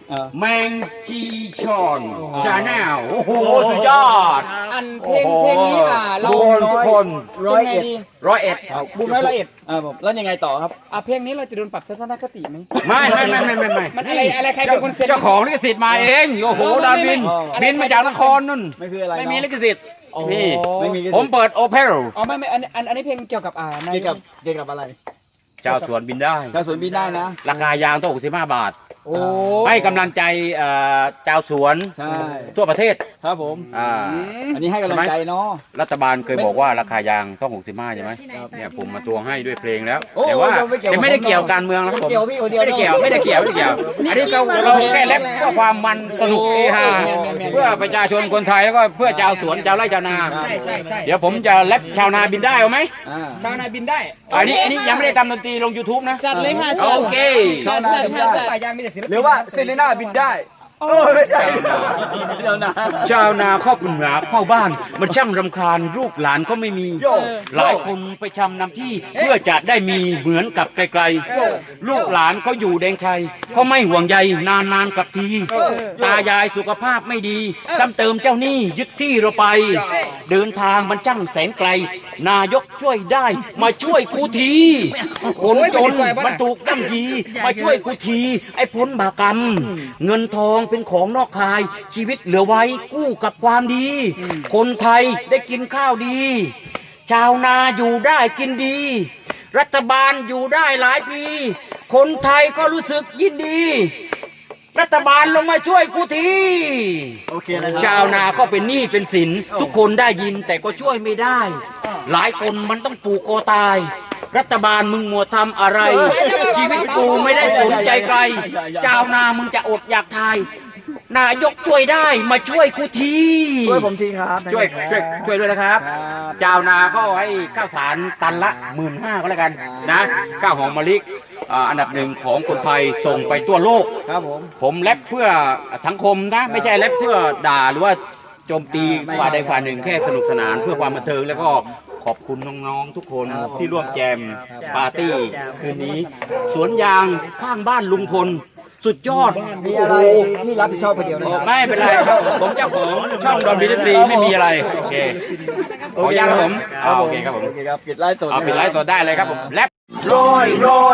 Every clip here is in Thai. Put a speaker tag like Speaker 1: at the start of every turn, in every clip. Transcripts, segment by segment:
Speaker 1: แมงจีชอนชาแนลโอ้โหสุดยอด
Speaker 2: อันเพลงนี้เรา
Speaker 1: ทุกคน
Speaker 2: 101
Speaker 1: 101
Speaker 2: บูม101
Speaker 3: ผมแล้วยังไงต่อครับ
Speaker 2: เพลงนี้เราจะโดนปรับทัศนคติไหม
Speaker 1: ไม่
Speaker 2: มันอะไรใครเป็นคนเซ็น
Speaker 1: เจ้าของลิขสิทธิ์มาเองโอ้โหดาวิน
Speaker 2: ไม่
Speaker 1: บินมาจากนครนู่น
Speaker 3: ไม่คืออะไร
Speaker 1: ไม่มี
Speaker 3: เนาะ
Speaker 1: ลิขสิทธิ์นี่
Speaker 3: ไม่มี
Speaker 1: ผมเปิดโอเปร่า
Speaker 2: ไม่อันนี้เพลงเกี่ยวกับ
Speaker 3: เกี่ยวกับอะไร
Speaker 1: เจ้าสวนบินได้
Speaker 3: ชาวสวนบินได้นะ
Speaker 1: ราคายางต้อง65 บาท
Speaker 2: โอ้
Speaker 1: ให้กำลังใจเจ้าสวน
Speaker 3: ใช่
Speaker 1: ทั่วประเทศ
Speaker 3: ครับผม อันนี้ให้กำลังใจเนาะ
Speaker 1: รัฐบาลเคยบอกว่าราคายางต้อง65ใช่ไหมเนี่ยผมมาตวงให้ด้วยเพลงแล้ว
Speaker 3: โอ้
Speaker 1: แต่ว่า
Speaker 3: ไม่เกี่ยว
Speaker 1: แต่ไม่ได้เกี่ยวการเมืองนะครับผม
Speaker 3: ไม่เกี่ยวพี่คนเดียว
Speaker 1: ไม่ได้เกี่ยวไม่ได้เกี่ยวอันนี้เราแค่เล็บเพื่อความมันสนุกเฮฮาเพื่อประชาชนคนไทยแล้วก็เพื่อชาวสวนชาวไร่ชาวนา
Speaker 2: ใช่
Speaker 1: เดี๋ยวผมจะแรปชาวนาบินได้เอาไหม
Speaker 2: ชาวนาบินได้
Speaker 1: อันนี้ยังไม่ได้ทำดนตรีลง YouTube นะ
Speaker 4: จัดเลยค่ะ
Speaker 1: โอเค
Speaker 4: จัดจัดค่ะจัด
Speaker 2: ป่ายางมีแต่ศิลปิน
Speaker 3: หรือว่าเซเลน่าบินได้ไม่ใช่เดี๋ยวนะ
Speaker 1: ชาวนาครอบครัวเข้าบ้าน มันช่างรำคาญลูกหลานก็ไม่มี
Speaker 3: โย่
Speaker 1: หลายคนไปชำนำที่เพื่อจะได้มีเหมือนกับไกลๆลูกหลานเขาอยู่แดนไกลเขาไม่ห่วงใยนานๆกลับที ตายายสุขภาพไม่ดีซ้ำเติมเจ้าหนี้ยึดที่เราไป เดินทางมันช่างแสนไกล นายกช่วยได้มาช่วยกูทีคนจนมันถูกย่ำยีมาช่วยกูทีไอ้พ้นบากรรม เงินทองเป็นของนอกกายชีวิตเหลือไว้กู้กับความดี คนไทยได้กินข้าวดี ชาวนาอยู่ได้กินดี รัฐบาลอยู่ได้หลายปี คนไทยก็รู้สึกยินดี รัฐบาลลงมาช่วยกูที
Speaker 3: โอเคนะครับ
Speaker 1: ชาวนาก็เป็นหนี้เป็นสินทุกคนได้ยินแต่ก็ช่วยไม่ได้ หลายคนมันต้องปลูกคอตาย รัฐบาลมึงมัวทำอะไร ชีวิตกูไม่ได้สนใจใครชาวนามึงจะอดอยากทาย นายกช่วยได้มาช่วยกูที
Speaker 3: ช่วยผมทีครับ
Speaker 1: ช่วยด้วยนะครับ
Speaker 3: ครับ
Speaker 1: ชาวนาก็ให้ข้าวสารตันละ 15,000ก็แล้วกันนะข้าวหอมมะลิอันดับหนึ่งของคนไทยส่งไปทั่วโลก
Speaker 3: ครับผม
Speaker 1: ผมแรปเพื่อสังคมนะไม่ใช่แรปเพื่อด่าหรือว่าโจมตีฝ่ายใดฝ่ายหนึ่งแค่สนุกสนานเพื่อความบันเทิงแล้วก็ขอบคุณน้องๆทุกคนที่ร่วมแจมปาร์ตี้คืนนี้ สวนยางข้างบ้านลุงพลสุดยอด
Speaker 3: มีอะไรที่รับผิดชอบคนเดียวนะ
Speaker 1: โอ้
Speaker 3: ครับ
Speaker 1: ไม่เป็นไรครับผมเจ้าของช่องดอนบีซีไม่มีอะไรโอเคขออนุญาตครับผมโอเคครับผม
Speaker 3: โอเคครับปิดไลฟ์สด
Speaker 1: เอาปิดไลฟ์สดได้เลยครับผมแรป
Speaker 3: โรย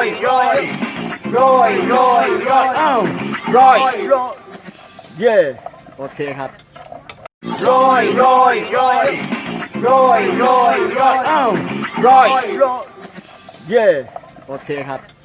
Speaker 1: อ้าวร้อย
Speaker 3: เย่โอเคครับ
Speaker 1: อ้าวร้อย
Speaker 3: เย่โอเคครับ